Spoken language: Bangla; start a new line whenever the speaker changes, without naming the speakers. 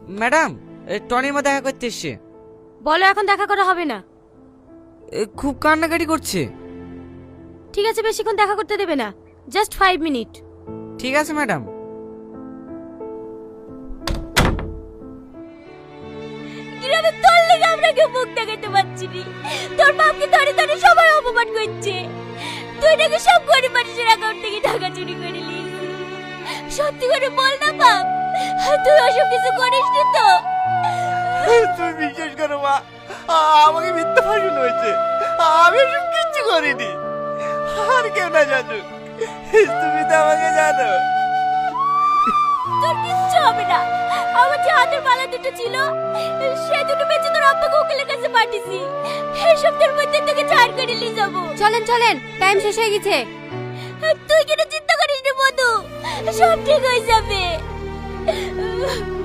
ম্যাডাম, টনির মা দেখা করতে এসছে।
বলো এখন দেখা করা হবে না।
খুব কান্নাকাটি করছে।
ঠিক আছে, বেশিক্ষণ দেখা করতে দেবে না, জাস্ট 5 মিনিট।
ঠিক আছে ম্যাডাম।
গ্রামে তোর লেগে আমরা কেউ মুখ দেখাতে পারছি নি। তোর বাপকে ধরে ধরে সবাই অপমান করছে। তুই নাকি সব গরিব মানুষের অ্যাকাউন্ট থেকে টাকা চুরি করে নিয়েছিস। সত্যি করে বল না বাপ, তুই ওসব কিছু করিস নি তো?
তুমি বিশ্বাস করো মা, আমাকে মিথ্যা ফাঁসুন হয়েছে। আমি এসব কিচ্ছু করিনি। আর কেউ না জানুক, তুমি তো আমাকে জানো।
তোর কিচ্ছু হবে না। আমার যে হাতের মালা দুটো ছিল, সে দুটো বেঁচে তোর আব্বাকে উকিলের কাছে পাঠিয়েছি। এই সপ্তাহের মধ্যে তোকে ছাড় করে নিয়ে যাবো। চলেন চলেন, টাইম শেষ হয়ে গেছে। তুই কেন চিন্তা করিস না মধু, সব ঠিক হয়ে যাবে।